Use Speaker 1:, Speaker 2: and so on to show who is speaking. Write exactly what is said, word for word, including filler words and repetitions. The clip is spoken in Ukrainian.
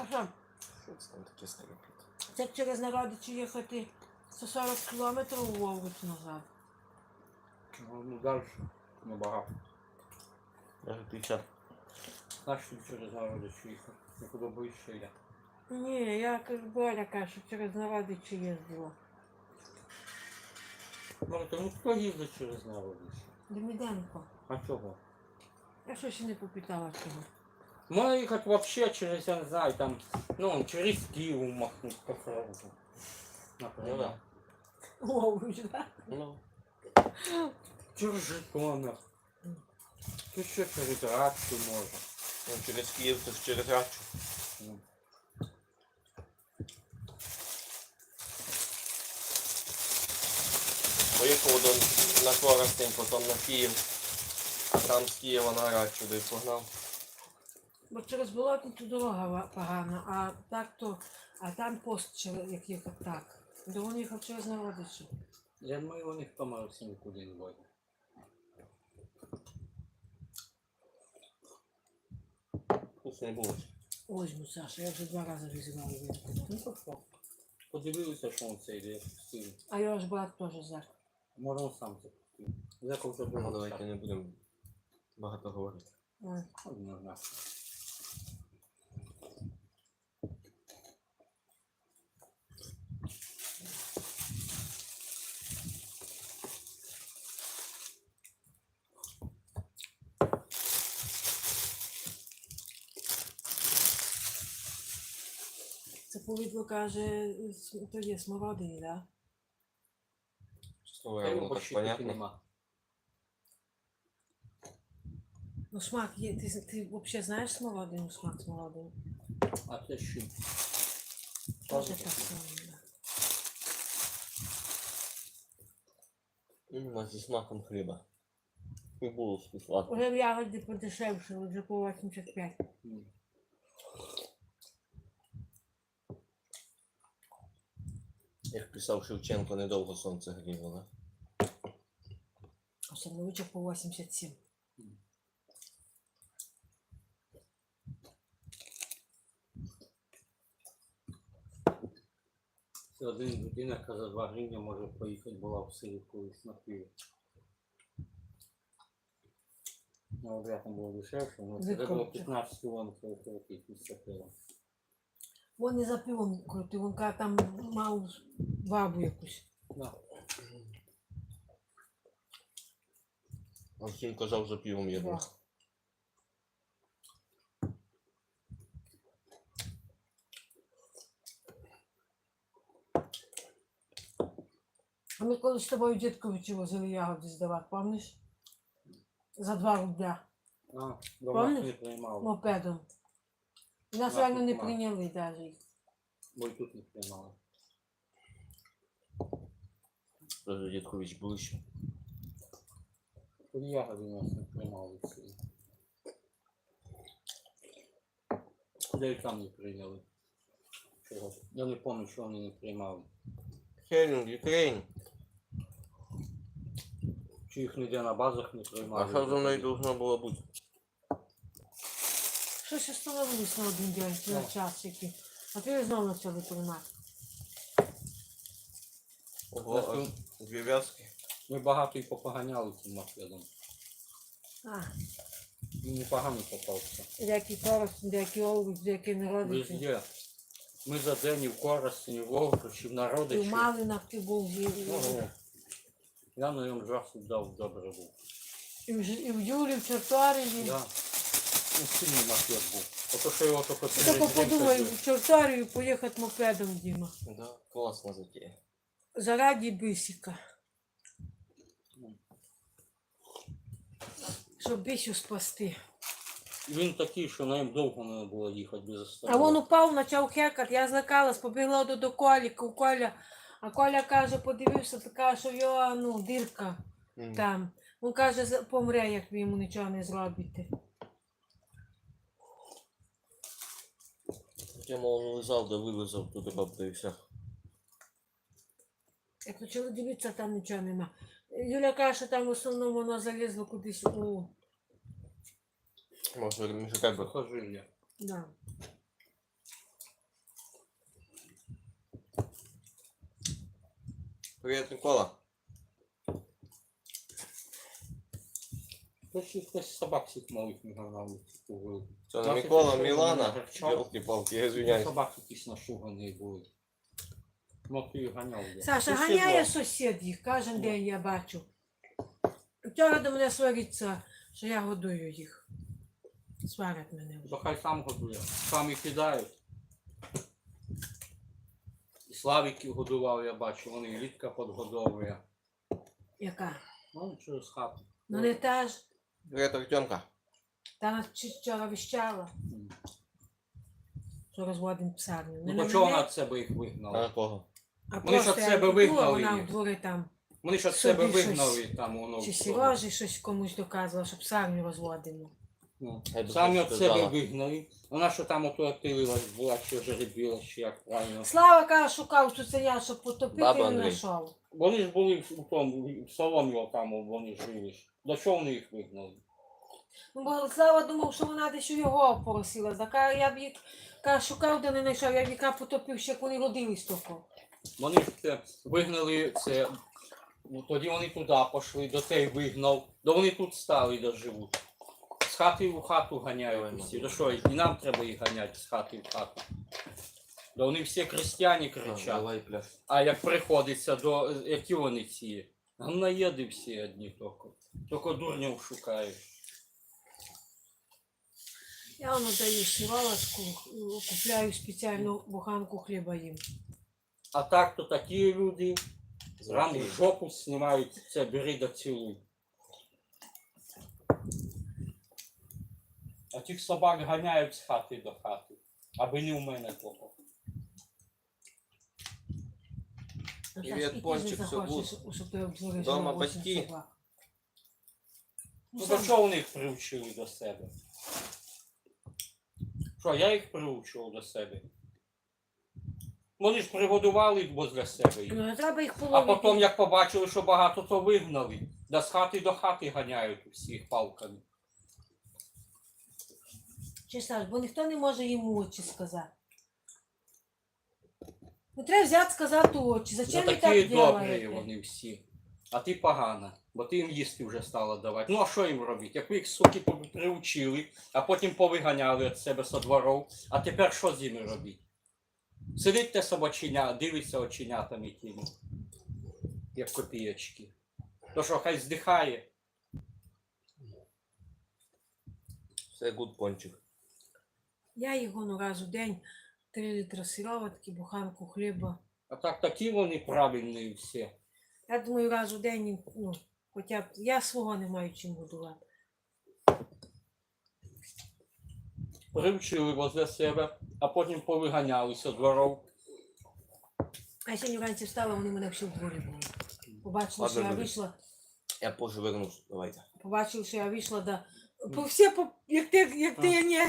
Speaker 1: що?
Speaker 2: Що це там таке скрипить?
Speaker 1: Це як через Народичі їхати сто сорок кілометрів у Вовгуч назад.
Speaker 3: Ну, далі небагато.
Speaker 2: Даже п'ятдесят.
Speaker 3: Знаєш, що через Народичі їхати? Не подобається я.
Speaker 1: Ні, я як Боря каже, що через Народичі їздила.
Speaker 3: Марта, ну хто їздить через Народичі?
Speaker 1: Деміденко.
Speaker 3: А чого?
Speaker 1: Я що ще не попитала чого.
Speaker 3: Можна їхати вообще через, я не знаю, там, ну, через Київ махнути по фронту.
Speaker 2: Ну
Speaker 3: Наприклад.
Speaker 2: да.
Speaker 1: Вовгуч, так?
Speaker 2: Ну.
Speaker 3: Через Житомир. Ти ще через Радчу може.
Speaker 2: Ну, через Київ, то ж через Рачу.
Speaker 3: Ну.
Speaker 2: Поїхав до, на Коростень, потім на Київ. А там з Києва на Рачу, де погнав.
Speaker 1: Бо через Болотницю дорога ва- погана, а так то, а там пост, через- як їхав так. До він їхав через Народичі.
Speaker 3: Я думаю, у них помилився нікуди не буде.
Speaker 2: Вкусно не було.
Speaker 1: Возьму, Саша, я вже два рази візивала вірку.
Speaker 3: Ну то що? Подивилися, що він це йде пустив.
Speaker 1: А його ж брат теж зак.
Speaker 3: Може він сам це пустив. Зеков вже
Speaker 2: Ну,
Speaker 3: було.
Speaker 2: давайте не будемо багато говорити.
Speaker 1: Ой.
Speaker 3: Однозначно.
Speaker 1: Це повідло каже, с- то є смородині, так?
Speaker 2: Чесно
Speaker 3: Та
Speaker 2: говоря,
Speaker 3: його
Speaker 2: ну так
Speaker 3: почти таки
Speaker 2: понятно.
Speaker 3: нема.
Speaker 1: Ну смак є, ти, ти взагалі знаєш смородину, смак смородини?
Speaker 3: А це що?
Speaker 1: Теж так само, да.
Speaker 2: Іменно зі смаком хліба. І булочки сладкі.
Speaker 1: Уже в ягоді подешевше, вже по вісімдесят п'ять.
Speaker 3: М.
Speaker 2: Як писав Шевченко, недовго сонце гріло, да?
Speaker 1: А Сандовича по вісімдесят сім.
Speaker 3: Це один людина, яка за два гривні може поїхати, була в селі колись на пиво. Ну, от там було дешевше, але це
Speaker 1: Відкручу.
Speaker 3: було п'ятнадцять кілометрів крутить після пива.
Speaker 1: Вон не за пивом крутив, він каже, там мав бабу якусь.
Speaker 3: Да.
Speaker 2: А всім казав за півом їду.
Speaker 1: Да. А ми колись з тобою дідковичі возили ягоди здавати, пам'ятаєш? За два рубля
Speaker 3: А, дома
Speaker 1: Помниш?
Speaker 3: не приймали,
Speaker 1: мопедом. І нас
Speaker 3: А,
Speaker 1: реально
Speaker 3: тут
Speaker 1: не
Speaker 3: мало.
Speaker 1: прийняли навіть.
Speaker 3: бо й тут не приймали.
Speaker 2: Даже Дідкович ближче.
Speaker 3: Тут ягоди нас не приймали в селі. Де й там не прийняли. Чого? Я не пам'ятаю, що вони не приймали.
Speaker 2: Хелінг, Юкрейн.
Speaker 3: Чи їх ніде на базах не приймали.
Speaker 2: А що за мною должно було бути?
Speaker 1: Щось остановились на один день, на
Speaker 3: Ну.
Speaker 1: час який. А ти знову почали приймати.
Speaker 2: Ого, аж дві в'язки.
Speaker 3: Ми багато і попоганяли цим мопедом.
Speaker 1: А,
Speaker 3: Він непогано попався.
Speaker 1: деякі коросні, деякі овоч, деякі народичі.
Speaker 3: Везде. Ми за день і в Корості, і в Овручі, в
Speaker 1: І
Speaker 3: Народичі.
Speaker 1: в Малинах ти був, і,
Speaker 3: Ого. Я на ньому жаху дав добре був.
Speaker 1: і, в, Ж- і в Юрі, в Чорторії.
Speaker 3: Да. Ну, сильний мопед був. Ото що його тільки
Speaker 1: Ти тільки подумай, в Чорторію поїхати мопедом, Діма.
Speaker 2: Да, класна затея.
Speaker 1: Зараді бисіка. Щоб бісю спасти.
Speaker 3: Він такий, що на ньому довго не було їхати без
Speaker 1: А
Speaker 3: остановки.
Speaker 1: він упав, почав хекати, я злякалась, побігла до, до Коліка, у Коля. А Коля каже, подивився, така, що в його, ну, дирка
Speaker 2: М.
Speaker 1: там. Він каже, «За- помре, як ви йому нічого не зробите.
Speaker 2: Я мов лизав, да вилизав, туди бабка і все.
Speaker 1: Як почали дивитися, там нічого нема. Юля каже, що там в основному воно залізло кудись у...
Speaker 2: Може, між тебе.
Speaker 3: Сухожилля.
Speaker 1: Да.
Speaker 2: Привіт, Микола.
Speaker 3: Хтось хтось собак всіх малих не гнав.
Speaker 2: Це не
Speaker 3: Нас
Speaker 2: Микола,
Speaker 3: якщо
Speaker 2: Мілана.
Speaker 3: мене гарчав,
Speaker 2: Йолки-палки, я звиняюсь.
Speaker 3: собаки якісь нашугані були. Ну ти їх ганяв. де.
Speaker 1: Саша
Speaker 2: Сусід
Speaker 1: ганяє
Speaker 2: два.
Speaker 1: сусід їх, кожен день я бачу. Вчора до мене свариться, що я годую їх. Сварять мене вже.
Speaker 3: То хай сам годує. Самі кидають. І Славіків годував, я бачу, вони і Літка підгодовує.
Speaker 1: Яка?
Speaker 3: Ну, через хату.
Speaker 1: Ну не та ж.
Speaker 2: Привіт, Артемка.
Speaker 1: Та нас чи- вчора віщала,
Speaker 3: М.
Speaker 1: що розводимо псарню. Не
Speaker 3: Ну
Speaker 1: на
Speaker 3: то чого
Speaker 1: мене,
Speaker 3: вона від себе їх
Speaker 2: А
Speaker 3: вигнала?
Speaker 2: на кого?
Speaker 1: а
Speaker 3: вони ж
Speaker 1: просто
Speaker 3: від
Speaker 1: я
Speaker 3: себе
Speaker 1: йду, а
Speaker 3: вигнали
Speaker 1: вона
Speaker 3: їх.
Speaker 1: в дворі там.
Speaker 3: Вони ж від
Speaker 1: собі
Speaker 3: себе
Speaker 1: щось-
Speaker 3: вигнали там воно.
Speaker 1: Чи
Speaker 3: в
Speaker 1: Сережі щось комусь доказувала, щоб псарню розводимо.
Speaker 3: Ну,
Speaker 2: Я б
Speaker 3: самі
Speaker 2: щось
Speaker 3: від себе
Speaker 2: сказала.
Speaker 3: вигнали. Вона що там ото отилилась, була, чи жеребіла, чи як правильно.
Speaker 1: Слава каже, шукав цуценя, щоб потопити,
Speaker 2: Баба
Speaker 1: і не
Speaker 2: Андрій.
Speaker 1: знайшов.
Speaker 3: Вони ж були в тому, в соломі там вони жили ж. До чого вони їх вигнали?
Speaker 1: Ну, бо Слава думав, що вона десь у його поросила. Так а я б їх каже, шукав, де не знайшов, я б яка потопив, ще як вони родились тільки.
Speaker 3: Вони ж це вигнали це. Ну, тоді вони туди пішли, до той вигнав, до вони тут стали, де живуть. З хати в хату ганяють усі. До що, і нам треба їх ганяти з хати в хату. Да вони всі крестьяні
Speaker 2: А,
Speaker 3: кричать.
Speaker 2: Давай, пляж.
Speaker 3: А як приходиться до, які вони ці? Гамнаєди всі одні тільки. Тільки дурнів шукають.
Speaker 1: Я воно даю сівалочку, купляю спеціальну буханку хліба їм.
Speaker 3: А так то такі люди, рано
Speaker 2: Звичайно.
Speaker 3: жопу знімають, це бери да цілуй. А тих собак ганяють з хати до хати, аби не у мене того.
Speaker 2: Привіт, Пончик, все гуд.
Speaker 1: Щоб ти обзориш
Speaker 2: Дома
Speaker 1: на
Speaker 2: батьки?
Speaker 1: вісім собак.
Speaker 3: Ну
Speaker 1: Ну,
Speaker 3: до
Speaker 1: сам-
Speaker 3: чого вони їх привчили до себе? Що, я їх привчив до себе? Вони ж пригодували возле себе їх.
Speaker 1: Ну, не треба їх
Speaker 3: А
Speaker 1: половити.
Speaker 3: потім, як побачили, що багато, то вигнали. Да з хати до хати ганяють усіх палками.
Speaker 1: Чи Саш, бо ніхто не може їм у очі сказати. Ну, треба взяти сказати у очі.
Speaker 3: Ну
Speaker 1: Зачем ви
Speaker 3: такі
Speaker 1: так
Speaker 3: добрі
Speaker 1: робите?
Speaker 3: вони всі. А ти погана, бо ти їм їсти вже стала давати. Ну а що їм робити? Як ви їх суки приучили, а потім повиганяли від себе со дворов, а тепер що з ними робити? Сидить те собаченя, дивиться оченятами тими, як копієчки. То що, хай здихає.
Speaker 2: Все гуд, Пончик.
Speaker 1: Я його ну, раз у день три літри сироватки, буханку хліба.
Speaker 3: А так такі вони правильні всі.
Speaker 1: Я думаю, раз у день, їм, ну, хоча б я свого не маю чим годувати.
Speaker 3: Привчили возле себе, а потім повиганялися дворов.
Speaker 1: А я сьогодні вранці встала, вони мене всі в дворі були. Побачили, що
Speaker 2: Ладно,
Speaker 1: я
Speaker 2: дивись.
Speaker 1: вийшла,
Speaker 2: Я позже вернусь. Давайте.
Speaker 1: побачили, що я вийшла, да. По всі, по, як ти, як ти, ні.